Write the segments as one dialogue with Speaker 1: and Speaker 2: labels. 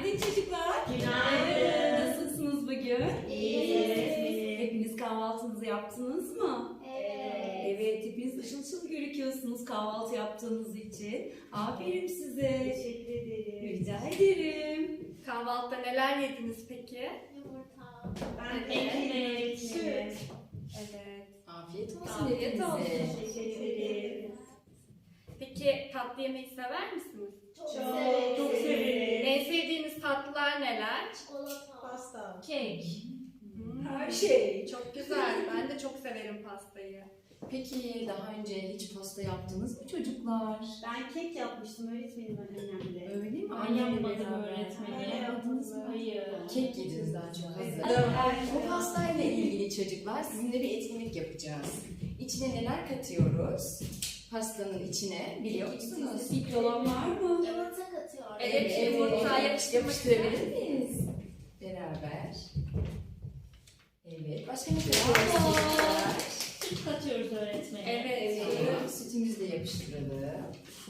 Speaker 1: Günaydın çocuklar.
Speaker 2: Günaydın.
Speaker 1: Nasılsınız bugün?
Speaker 2: İyiyiz.
Speaker 1: Hepiniz kahvaltınızı yaptınız mı? Evet, hepiniz ışıl ışıl gözüküyorsunuz kahvaltı yaptığınız için. Aferin size.
Speaker 2: Teşekkür ederim.
Speaker 1: Rica ederim.
Speaker 3: Kahvaltıda neler yediniz peki?
Speaker 2: Yumurta.
Speaker 3: Ben de
Speaker 2: ekmek,
Speaker 3: süt.
Speaker 2: süt.
Speaker 3: Evet.
Speaker 4: Afiyet olsun
Speaker 3: Afiyet
Speaker 4: hepinize.
Speaker 3: olsun.
Speaker 2: Teşekkür ederim.
Speaker 3: Peki tatlı yemeyi sever misiniz?
Speaker 2: Çok
Speaker 4: Çok
Speaker 2: severim.
Speaker 3: En sevdiğiniz tatlılar neler?
Speaker 2: Çikolata. Pasta.
Speaker 4: Kek.
Speaker 1: Her şey.
Speaker 3: Çok güzel. Ben de çok severim pastayı.
Speaker 4: Peki daha önce hiç pasta yaptınız mı çocuklar?
Speaker 2: Ben kek yapmıştım öğretmenim annemle.
Speaker 4: Öyle mi?
Speaker 5: Ben
Speaker 4: Annemle
Speaker 5: yapmadım
Speaker 4: beraber.
Speaker 5: öğretmenim.
Speaker 4: Yapmadınız mı?
Speaker 5: Hayır.
Speaker 4: Kek yediniz daha çok hazır.
Speaker 2: Evet.
Speaker 4: Bu pastayla ilgili çocuklar sizinle bir etkinlik yapacağız. İçine neler katıyoruz? Pastanın içine biliyor musunuz?
Speaker 1: İlk olan var mı?
Speaker 2: Yumurta katıyorum.
Speaker 3: Evet, yumurta
Speaker 4: yapıştırabilir miyiz? Beraber. Evet. Başka ne katıyoruz çocuklar?
Speaker 5: Süt katıyoruz öğretmenim.
Speaker 3: Evet.
Speaker 4: Tamam, sütümüzü de yapıştıralım.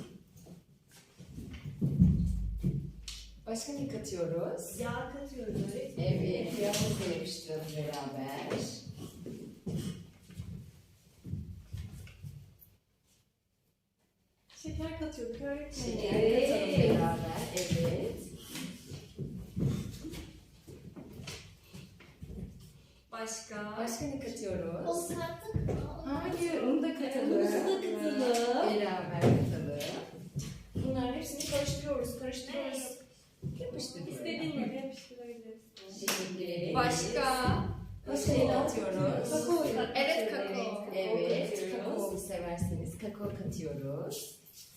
Speaker 4: Başka ne katıyoruz?
Speaker 2: Yağ katıyoruz öğretmenim.
Speaker 4: Evet, yağımızı da yapıştıralım beraber.
Speaker 2: Şeker katıyorduk öğretmenim.
Speaker 4: Şeker katalım beraber, evet.
Speaker 3: Başka?
Speaker 4: Başka ne katıyoruz?
Speaker 2: O kattık mı?
Speaker 4: Hayır, onu da katalım.
Speaker 1: Muzu da katalım.
Speaker 4: Beraber katalım. Bunların hepsini karıştırıyoruz. Yapıştır.
Speaker 3: İstediğin gibi yapıştırabiliriz.
Speaker 4: Teşekkür ederim.
Speaker 3: Başka?
Speaker 4: Başka ne katıyoruz?
Speaker 1: Kakao.
Speaker 3: Evet, kakao.
Speaker 4: Evet, kakao severseniz kakao katıyoruz.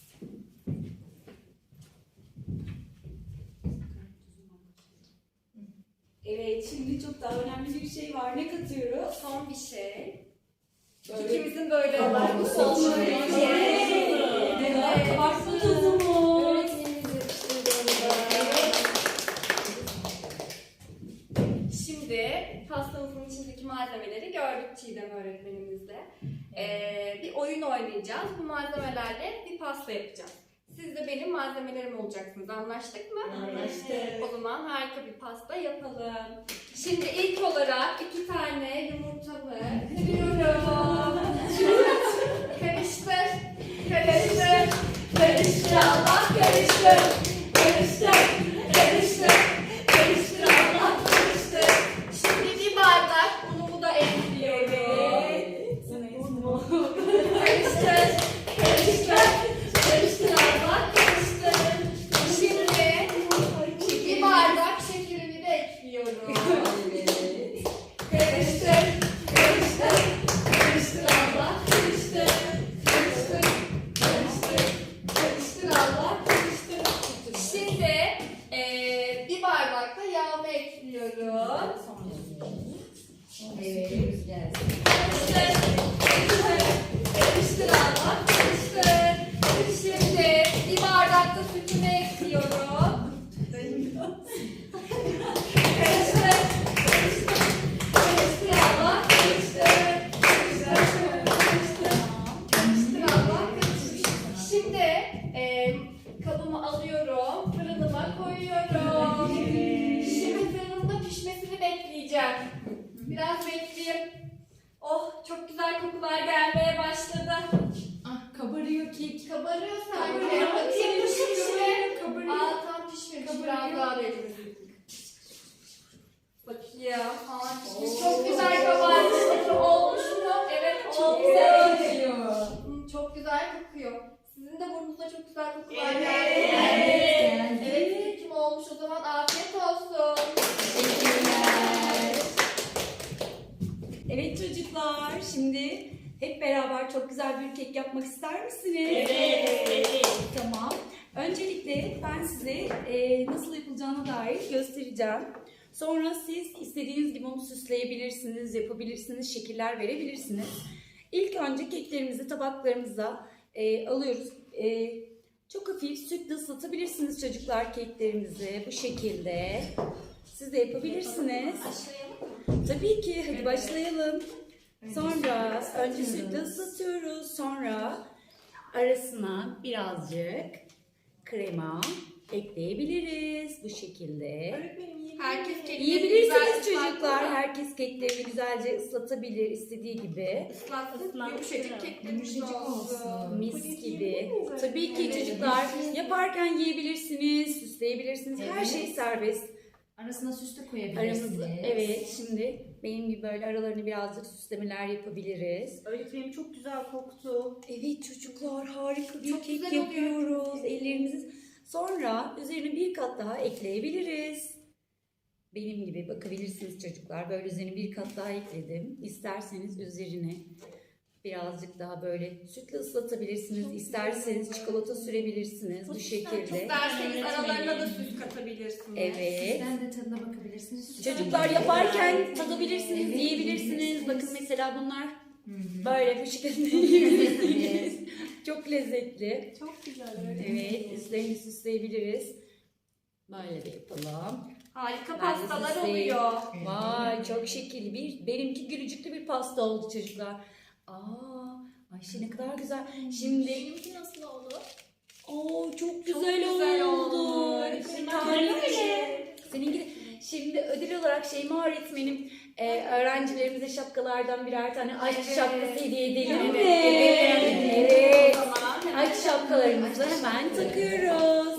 Speaker 1: Evet, şimdi çok daha önemli bir şey var. Ne katıyoruz?
Speaker 3: Son bir şey.
Speaker 1: Böyle-
Speaker 3: İkimizin böyle
Speaker 4: Kabartma
Speaker 3: olan.
Speaker 4: tozu.
Speaker 1: Evet. Kabartma tozu mu?
Speaker 4: Öğretmenimiz yapıştırdığında.
Speaker 3: Şimdi pastamızın içindeki malzemeleri gördük Çiğdem öğretmenimizle. Bir oyun oynayacağız. Bu malzemelerle bir pasta yapacağız. Siz de benim malzemelerim olacaksınız. Anlaştık mı?
Speaker 2: Anlaştık.
Speaker 3: O zaman harika bir pasta yapalım. Şimdi ilk olarak 2 tane yumurtamı kırıyorum. Karıştır. Karıştır. Karıştır Allah karıştır. Karıştır. Karıştır. Karıştır Allah karıştır. Şimdi bir bardak unumu da ekliyorum. Karıştır. Karıştır. Karıştır Allah karıştır. Şimdi bir bardak şekerimi de ekliyorum.
Speaker 4: Evet.
Speaker 3: Karıştır. Karıştır. Karıştır Allah karıştır. Karıştır. Karıştır. Karıştır Allah karıştır. Şimdi bir bardak da yağımı ekliyorum.
Speaker 4: Evet, gelsin.
Speaker 3: Karıştır. Karıştır. Karıştır Allah karıştır. Şimdi bir bardak da sütümü ekliyorum. Karıştır. Karıştır. Karıştır Allah karıştır. Karıştır. Karıştır. Karıştır Allah karıştır. Şimdi kabımı alıyorum. Fırınıma koyuyorum. Şimdi fırınımda pişmesini bekleyeceğim. Biraz bekleyeyim. Oh çok güzel kokular gelmeye başladı.
Speaker 4: Ah, kabarıyor kek.
Speaker 3: Kabarıyor sanki.
Speaker 4: Kabarıyor.
Speaker 3: Bakayım pişmiş mi?
Speaker 4: Kabarıyor.
Speaker 3: Aa tam pişmemiş. Biraz daha bekleyelim. Bakayım. Aa pişmiş. Çok güzel kabarmış. Bakayım olmuş mu? Evet
Speaker 4: Çok
Speaker 3: oldu.
Speaker 4: güzel kokuyor.
Speaker 3: Çok güzel kokuyor. Sizin de burnunuzda çok güzel kokular
Speaker 2: Evet.
Speaker 3: geldi.
Speaker 4: Evet.
Speaker 3: Evet kim olmuş o zaman afiyet olsun.
Speaker 4: Teşekkürler.
Speaker 1: Evet çocuklar, şimdi hep beraber çok güzel bir kek yapmak ister misiniz?
Speaker 5: Evet.
Speaker 1: Tamam. Öncelikle ben size nasıl yapılacağına dair göstereceğim. Sonra siz istediğiniz gibi onu süsleyebilirsiniz, yapabilirsiniz, şekiller verebilirsiniz. İlk önce keklerimizi tabaklarımıza alıyoruz. Çok hafif sütle ıslatabilirsiniz çocuklar keklerimizi bu şekilde. Siz de yapabilirsiniz. Tabii ki, hadi başlayalım. Sonra önce sütle ıslatıyoruz. Sonra arasına birazcık krema ekleyebiliriz. bu şekilde.
Speaker 2: Öğretmenim yiyebilir
Speaker 3: Herkes
Speaker 2: miyim?
Speaker 3: kekleri
Speaker 1: Yiyebilirsiniz
Speaker 3: güzel
Speaker 1: çocuklar.
Speaker 3: ıslatmalı.
Speaker 1: Herkes keklerini güzelce ıslatabilir istediği gibi.
Speaker 3: Islatsın.
Speaker 5: Islatsın.
Speaker 3: Yumuşacık keklerimiz
Speaker 4: Yumuşacık
Speaker 3: olsun.
Speaker 4: olsun.
Speaker 1: Mis
Speaker 2: Puding
Speaker 1: gibi.
Speaker 2: yiyebilir miyiz
Speaker 1: Tabii ki
Speaker 2: öğretmenim?
Speaker 1: çocuklar yaparken yiyebilirsiniz, süsleyebilirsiniz. Her
Speaker 4: Evet.
Speaker 1: şey serbest.
Speaker 4: Arasına süs de koyabilirsiniz.
Speaker 1: Aramızda. Evet, şimdi benim gibi böyle aralarını birazcık süslemeler yapabiliriz.
Speaker 5: Öğretmenim çok güzel koktu.
Speaker 1: Evet çocuklar, harika bir
Speaker 3: Çok
Speaker 1: kek
Speaker 3: güzel oluyor.
Speaker 1: yapıyoruz. Ellerimizi sonra üzerine bir kat daha ekleyebiliriz. Benim gibi bakabilirsiniz çocuklar. Böyle üzerine bir kat daha ekledim. İsterseniz üzerine birazcık daha böyle sütle ıslatabilirsiniz. İsterseniz çikolata sürebilirsiniz bu şekilde.
Speaker 3: İsterseniz aralarına da süs katabilirsiniz.
Speaker 1: Evet.
Speaker 4: Sizden de tadına bakabilirsiniz.
Speaker 1: Çocuklar yaparken tadabilirsiniz,
Speaker 4: Evet,
Speaker 1: yiyebilirsiniz.
Speaker 4: yiyebilirsiniz.
Speaker 1: Bakın mesela bunlar
Speaker 4: Hı hı.
Speaker 1: böyle bu şekilde yiyebilirsiniz. Çok lezzetli.
Speaker 2: Çok güzel öğretmenim.
Speaker 1: Evet, üstlerini süsleyebiliriz. Böyle de yapalım.
Speaker 3: Harika
Speaker 1: Ben de
Speaker 3: pastalar
Speaker 1: süsleyeyim.
Speaker 3: oluyor.
Speaker 1: Vay çok şekilli benimki gülücüklü bir pasta oldu çocuklar. Ayşe ne kadar güzel. Şimdi
Speaker 2: Benimki nasıl oldu?
Speaker 1: çok
Speaker 3: güzel
Speaker 1: güzel
Speaker 3: oldu.
Speaker 1: oldu.
Speaker 2: Öğretmenim,
Speaker 1: Seninki de. Şimdi ödül olarak Şeyma öğretmenim öğrencilerimize şapkalardan birer tane aşk
Speaker 3: Evet.
Speaker 1: şapkası hediye edelim mi?
Speaker 3: Evet.
Speaker 1: Evet.
Speaker 3: O zaman hemen
Speaker 1: Aşk şapkalarımızı hemen takıyoruz.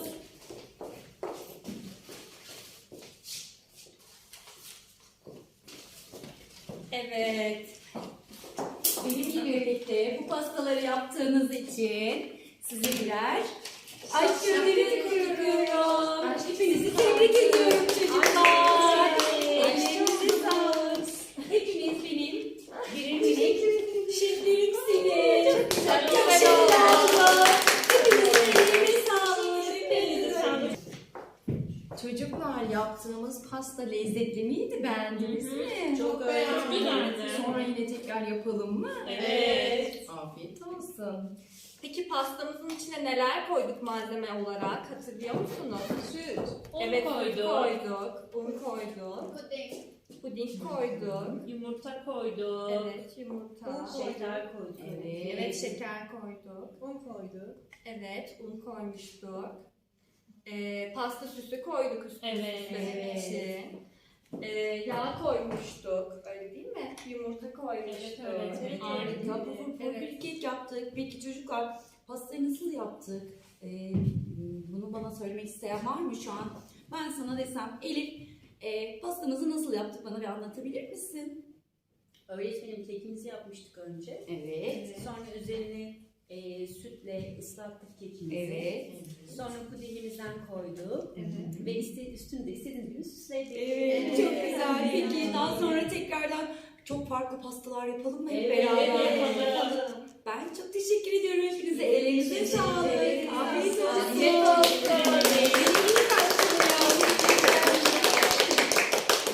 Speaker 3: Evet.
Speaker 1: Benimle birlikte bu pastaları yaptığınız için size birer aşk gönderi koyuyorum. Hepinizi tebrik ediyorum çocuklar. Ellerinize sağlık. Hepiniz benim birer minik şeflerimsiniz. Çok teşekkürler. Hepinizin ellerine sağlık.
Speaker 4: Çocuklar yaptığımız pasta lezzetli miydi? Beğendiniz mi?
Speaker 5: Çok
Speaker 2: beğendim.
Speaker 5: güzeldi.
Speaker 4: Sonra yine tekrar yapalım mı?
Speaker 5: Evet.
Speaker 4: Afiyet olsun.
Speaker 3: Peki pastamızın içine neler koyduk malzeme olarak? Hatırlıyor musunuz? Süt.
Speaker 5: Un
Speaker 3: Evet, süt
Speaker 5: koyduk.
Speaker 3: koyduk. Un koyduk.
Speaker 2: Puding.
Speaker 3: Puding koyduk.
Speaker 5: Yumurta koyduk.
Speaker 3: Evet, yumurta.
Speaker 5: Şeker koyduk.
Speaker 3: Evet, şeker koyduk.
Speaker 2: Un koyduk.
Speaker 3: Evet, un koymuştuk. Pasta süsü koyduk üstüne
Speaker 5: Evet.
Speaker 3: süslemek için. Yağ koymuştuk, öyle değil mi? Yumurta koymuştuk.
Speaker 5: Evet, evet.
Speaker 1: Harika. Bu
Speaker 3: Evet.
Speaker 1: bir kek yaptık. Peki çocuklar pastayı nasıl yaptık? Bunu bana söylemek isteyen var mı şu an? Ben sana desem Elif pastamızı nasıl yaptık bana bir anlatabilir misin?
Speaker 6: Öğretmenim kekimizi yapmıştık önce.
Speaker 1: Evet.
Speaker 6: Sonra üzerine sütle ıslattık kekimizi.
Speaker 1: Evet.
Speaker 6: Sonra pudingimizden koyduk.
Speaker 3: Evet.
Speaker 6: Ve üstünü de istediğiniz gibi süsledik.
Speaker 1: Evet, çok güzel. Peki daha sonra tekrardan çok farklı pastalar yapalım mı hep
Speaker 6: Evet,
Speaker 1: beraber?
Speaker 5: yapalım.
Speaker 1: Ben çok teşekkür ediyorum hepinize. Ellerinize sağlık. Afiyet olsun.
Speaker 3: Afiyet olsun.